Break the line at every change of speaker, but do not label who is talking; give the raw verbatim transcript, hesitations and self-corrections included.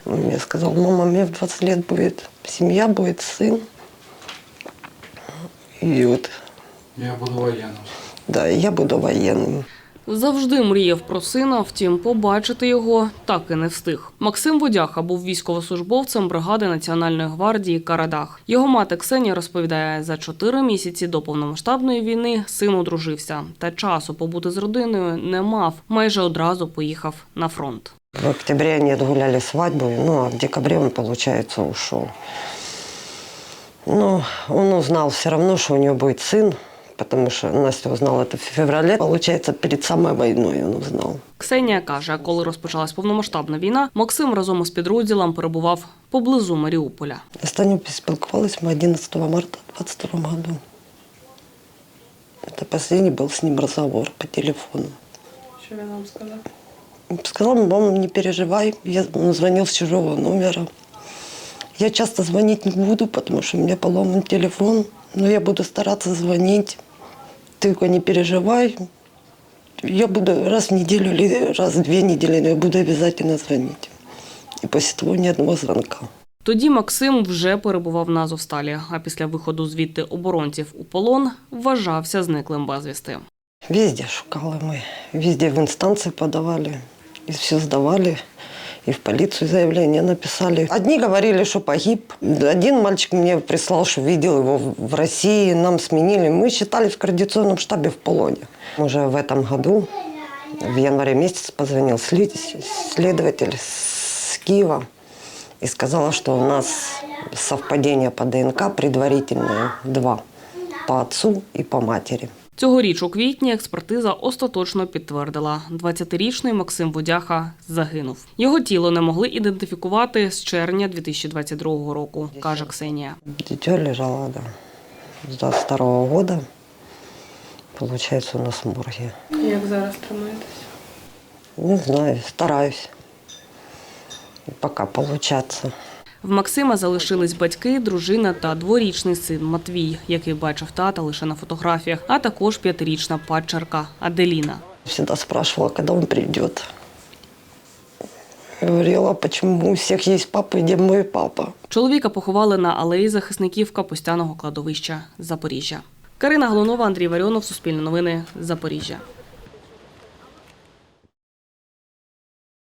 Он мне сказал: мама, мне в двадцать лет будет семья, будет сын. И вот...
Я буду воєнним.
Да, я буду воєнним.
Завжди мріяв про сина, втім, побачити його так і не встиг. Максим Водяха був військовослужбовцем бригади Національної гвардії «Карадах». Його мати Ксенія розповідає, за чотири місяці до повномасштабної війни син одружився. Та часу побути з родиною не мав. Майже одразу поїхав на фронт.
В октябре они отгуляли свадьбу, ну а в декабре он, получается, ушел. Но он узнал все равно, что у него будет сын, потому что Настя узнала это в феврале. Получается, перед самой войной он узнал.
Ксенія каже, коли розпочалась повномасштабна війна, Максим разом із підрозділом перебував поблизу Маріуполя.
Останнє спілкувались мы одиннадцатого марта двадцать второго году. Это последний был с ним разговор по телефону.
Что я вам сказала?
Сказал: мама, не переживай, я, он звонил с чужого номера. Я часто звонить не буду, потому что у меня поломан телефон, но я буду стараться звонить. Ты только не переживай. Я буду раз в неделю или раз в две недели, но я буду обязательно звонить. И после того ни одного звонка.
Тоді Максим вже перебував на Азовсталі, а після виходу звідти оборонців у полон вважався зниклим безвісти.
Везде шукали мы, везде в инстанции подавали, и все сдавали, и в полицию заявление написали. Одни говорили, что погиб. Один мальчик мне прислал, что видел его в России, нам сменили. Мы считались в координационном штабе в полоне. Уже в этом году, в январе месяце, позвонил следователь с Киева и сказала, что у нас совпадение по ДНК предварительное два, по отцу и по матери.
Цьогоріч у квітні експертиза остаточно підтвердила – двадцятирічний Максим Водяха загинув. Його тіло не могли ідентифікувати з червня дві тисячі двадцять другого року, каже Ксенія.
Дитя лежало, да, з двадцять второго года, получается, у нас в морге.
Як зараз тримаєтесь?
Не знаю, стараюсь. Пока получаться.
В Максима залишились батьки, дружина та дворічний син Матвій, який бачив тата лише на фотографіях, а також п'ятирічна падчерка Аделіна.
Всегда спрашивала, когда он придет. Говорила, почему у всех есть папа, где мой папа.
Чоловіка поховали на алеї захисників Капустяного кладовища Запоріжжя. Карина Голунова, Андрій Варіонов, Суспільне новини, Запоріжжя.